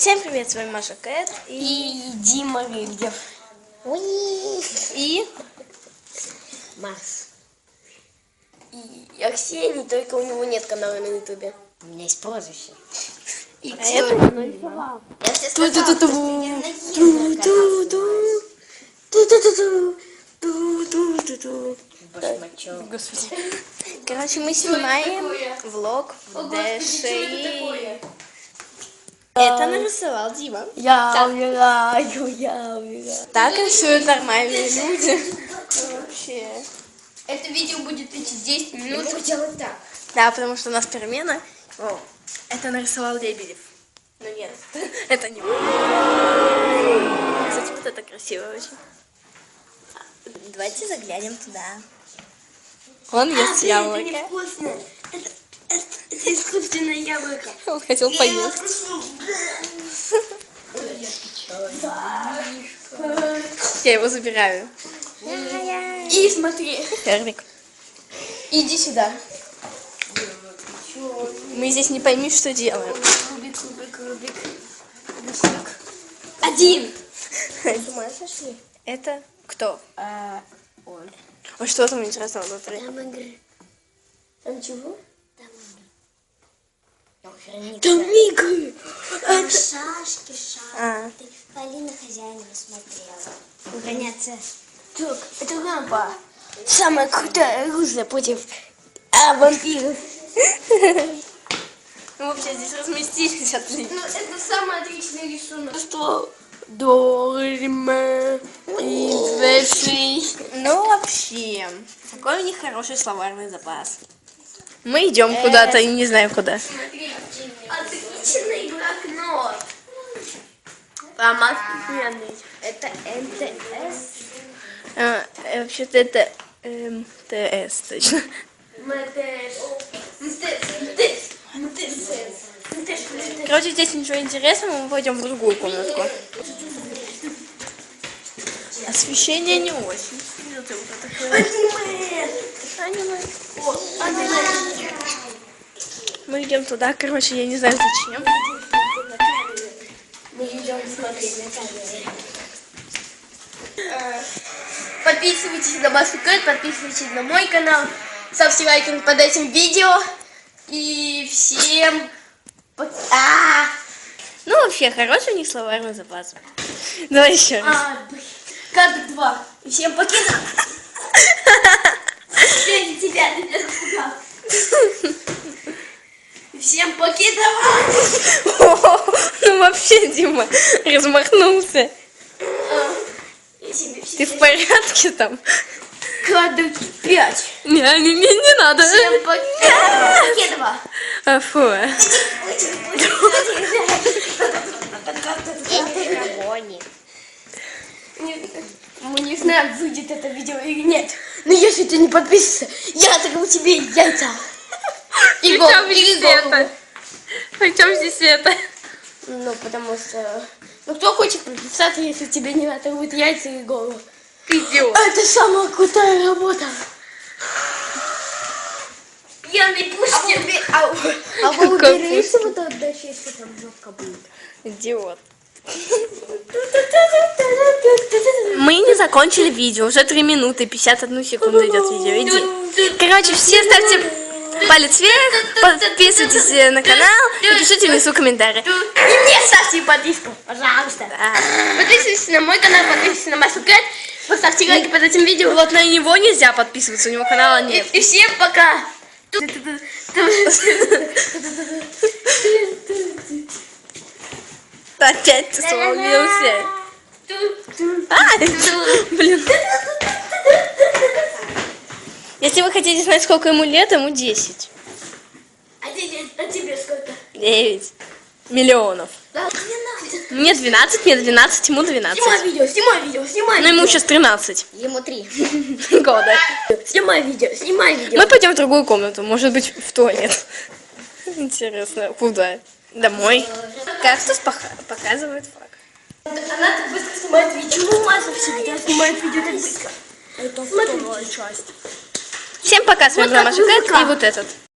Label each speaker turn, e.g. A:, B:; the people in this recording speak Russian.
A: Всем привет, с вами Маша Кэт
B: и Дима Рыльев.
A: И
B: Марс. И Арсений, только у него нет канала на ютубе. У меня есть прозвище. И
A: а это
B: нарисовал. Я тебе сказала, что я наездил канал.
A: Господи. Короче, мы снимаем влог в ДШИ. Это нарисовал Дима.
B: Я умираю.
A: Так рисуют нормальные люди. Вообще.
B: Это видео будет идти 10 минут. Я делать так.
A: Да, потому что у нас перемена. О, это нарисовал Лебедев. Ну нет, это не он. Кстати, вот это красиво очень. Давайте заглянем туда. Он ест яблоко.
B: Это невкусно. Это искусственное яблоко.
A: Он хотел поесть. Я его забираю.
B: И смотри.
A: Эрвик.
B: Иди сюда.
A: Мы здесь не пойми, что делаем.
B: Рубик. Один.
A: Думаешь, нашли? Это кто?
B: Он.
A: А что там интересного внутри?
B: Там игры. Там чего?
C: Там
B: игры.
C: Там шашки,
A: А.
C: шахматы. Полина хозяина смотрела. Гоняться.
B: Так, это лампа. Самая крутая оружие против вампиров.
A: Мы вообще здесь разместились отлично.
B: Ну, это самый отличный рисунок. Что? Дорме.
A: Ну, вообще, какой у них хороший словарный запас. Мы идем куда-то и не знаем куда.
B: Смотри, отличный блокнот. Там офигенный. Это МТС.
A: Вообще-то это МТС, точно. Короче, здесь ничего интересного, мы пойдем в другую комнатку. Освещение не очень. Мы идем туда, короче, я не знаю зачем.
B: Мы идем смотреть на камеры. Подписывайтесь на Машу Кэт, подписывайтесь на мой канал, ставьте лайки под этим видео. И всем пока.
A: Ну, вообще, хороший у них словарный запас. Давай еще раз.
B: Кадр 2. И всем покидал. Ради тебя, ты меня запугал. И всем покидал.
A: Ну, вообще, Дима размахнулся. Ты в порядке там?
B: Кадр 5.
A: Не надо.
B: Всем покидал.
A: Фу.
B: Мы не знаем, выйдет это видео или нет. Но если ты не подписываешься, я оторву тебе яйца. И голову.
A: Причем здесь это?
B: Ну, потому что... Ну, кто хочет подписаться, если тебе не оторвут яйца и голову?
A: Идиот.
B: Это самая крутая работа. Я не пустил. А вы уберите вот от дачи, если там жопка будет?
A: Идиот. Мы не закончили видео. Уже 3 минуты 51 секунду идет видео. Иди. Короче, все ставьте палец вверх, подписывайтесь на канал и пишите внизу комментарии.
B: И мне ставьте подписку, пожалуйста. Подписывайтесь на мой канал, подписывайтесь на Машу Кэт, поставьте лайки под этим видео.
A: Вот на него нельзя подписываться, у него канала нет.
B: И всем пока.
A: Опять ты свалился. Блин. Если вы хотите знать, сколько ему лет, ему 10.
B: А тебе сколько?
A: 9 миллионов.
B: Да,
A: Мне 12, мне 12, ему 12.
B: Снимай видео.
A: Но ему сейчас 13
B: Ему 3.
A: года.
B: Снимай видео.
A: Мы пойдем в другую комнату, может быть, в туалет. Интересно, куда? Домой. Кактус показывает флаг.
B: Она так быстро снимает видео. Почему Маша всегда снимает видео так быстро?
C: Это вторая часть.
A: Всем пока, с вами была Маша Кэт и вот этот.